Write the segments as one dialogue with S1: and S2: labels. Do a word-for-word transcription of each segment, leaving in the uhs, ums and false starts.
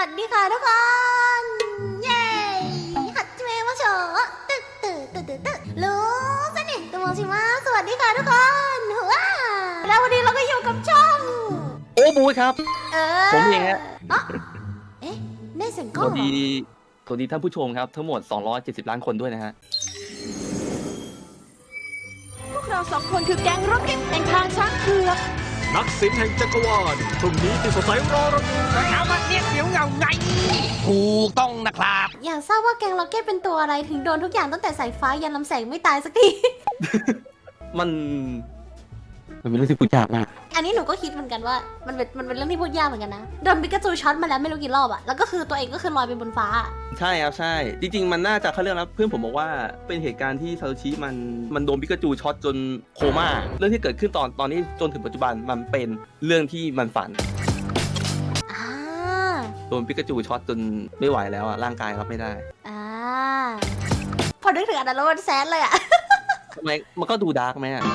S1: วัสดีค่ะทุกคนเย้ฮัตเมะมาโชว์ตึ๊ดตึ๊ดตึ๊ดตึ๊ดตึ๊ดรู้สนิทตัวโมชิมะสวัสดีค่ะทุกคนว้าแล้ววันนี้เราก็อยู่กับช่อง
S2: โอ้บูครับ
S1: เออ
S2: ผมเองฮะ
S1: เอ๊ะได้เสียงกล้
S2: ส
S1: อง
S2: วัสดีสวัสดีท่านผู้ชมครับทั้งหมดสองร้อยเจ็ดสิบล้านคนด้วยนะฮะ
S3: พวกเราสองคนคือแก๊งร็อกเก็ตแห่งทางช้างเผือก
S4: นักศิลป์แห่งจักรวาลพรุ่งนี้ที่สดใสรอเราอยู่
S5: นะครับว่าเนี่ยเดี๋ยวเงาไงถูกต้องนะครับ
S1: อยากทราบว่าแกงล็อกเก็ตเป็นตัวอะไรถึงโดนทุกอย่างตั้งแต่สายฟ้ายันลำแสงไม่ตายสักที
S2: มันมันเป็นเรื่องที่พูดยากมาก
S1: อันนี้หนูก็คิดเหมือนกันว่ามันเป็นมันเป็นเรื่องที่พูดยากเหมือนกันนะโดนปิกาจูช็อตมาแล้วไม่รู้กี่รอบอะแล้วก็คือตัวเองก็คือลอยไปบนฟ้า
S2: ใช่ครับใช่จริงๆมันน่าจะเขาเรื่องนะเพื่อนผมบอกว่าเป็นเหตุการณ์ที่ซาโตชิมันมันโดนปิกาจูช็อตจนโคม่าเรื่องที่เกิดขึ้นตอนตอนนี้จนถึงปัจจุบันมันเป็นเรื่องที่มันฝัน
S1: อ่า
S2: โดนปิกาจูช็อตจนไม่ไหวแล้วอะร่างกายรับไม่ได้
S1: อ่าพอนึกถึงอันนั้นแล้วมันแซดเลยอะ
S2: ทำไมมันก็ดูดาร์กไหมอะ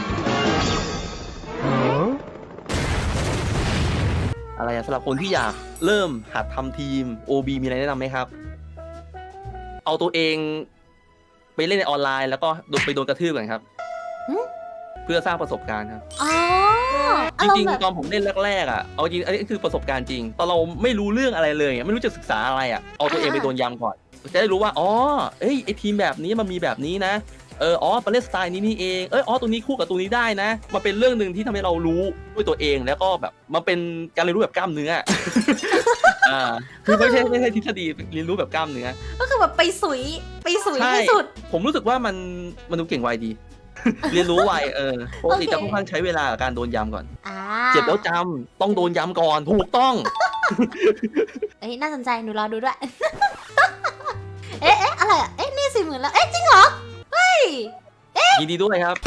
S2: อะไรสำหรับคนที่อยากเริ่มหัดทำทีม โอ บี มีอะไรแนะนำไหมครับเอาตัวเองไปเล่นในออนไลน์แล้วก็โดนไปโดนกระทืบกันครับเพื่อสร้างประสบการณ์ครับ
S1: อ๋อ
S2: จริงๆตอนผมเล่นแรกๆอ่ะเอาจริงอันนี้คือประสบการณ์จริงตอนเราไม่รู้เรื่องอะไรเลยไม่รู้จะศึกษาอะไรอ่ะเอาตัวเองไปโดนยำก่อนจะได้รู้ว่าอ๋อเอ้ยไอทีมแบบนี้มันมีแบบนี้นะเอออ๋อมาเล่นสไตล์นี้นี่เองเอออ๋อตัวนี้คู่กับตัวนี้ได้นะมันเป็นเรื่องหนึ่งที่ทำให้เรารู้ด้วยตัวเองแล้วก็แบบมันเป็นการเรียนรู้แบบกล้ามเนื้ออ่าคือไม่ใช่ไม่ใช่ทฤษฎีเรียนรู้แบบกล้ามเนื้อ
S1: ก็คือแบบไปสุยไปสุยที่สุด
S2: ผมรู้สึกว่ามันมันดูเก่งไวดี เรียนรู้ไวเออปกติจะค่อนข้างใช้เวลากับการโดนยำก่อนเจ็บแล้วจำต้องโดนยำก่อนถูกต้อง
S1: เอ้ยน่าสนใจหนูรอดูด้วยเอ๊ะเอ๊ะอะไรอ่ะเอ๊ะนี่สี่หมื่นแล้วเอ๊ะจริงเหรอเฮ้ย
S2: ยินดีด้วยครับ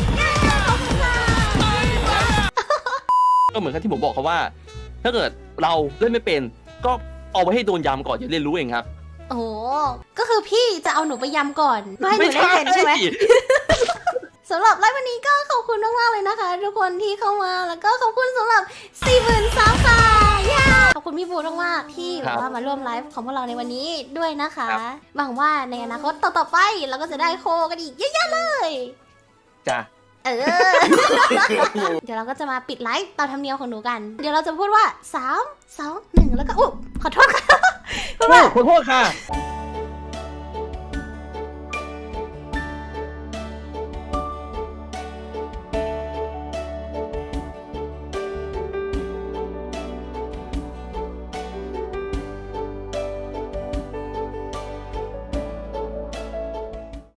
S2: ก็เหมือนกับที่ผมบอกเขาว่าถ้าเกิดเราเล่นไม่เป็นก็เอาไว้ให้โดนยำก่อนจะเรียนรู้เองครับ
S1: โอ้ก็คือพี่จะเอาหนูไปยำก่อนไม่ให้หนูได้เป็นใช่ไหมสำหรับไลฟ์วันนี้ก็ขอบคุณมากๆเลยนะคะทุกคนที่เข้ามาแล้วก็ขอบคุณสำหรับ สี่หมื่น ซับค่ะขอบคุณพี่บูมากๆที่แบบว่ามาร่วมไลฟ์ของพวกเราในวันนี้ด้วยนะคะหวังว่าในอนาคตต่อๆไปเราก็จะได้โคกันอีกเยอะๆเลย
S2: จ้ะ
S1: เออ เดี๋ยวเราก็จะมาปิดไลฟ์ตามธรรมเนียมของหนูกันเดี๋ยวเราจะพูดว่าสาม สอง หนึ่งแล้วก็อุ๊ยขอโทษค่ะ
S2: ขอโทษขอโทษค่ะ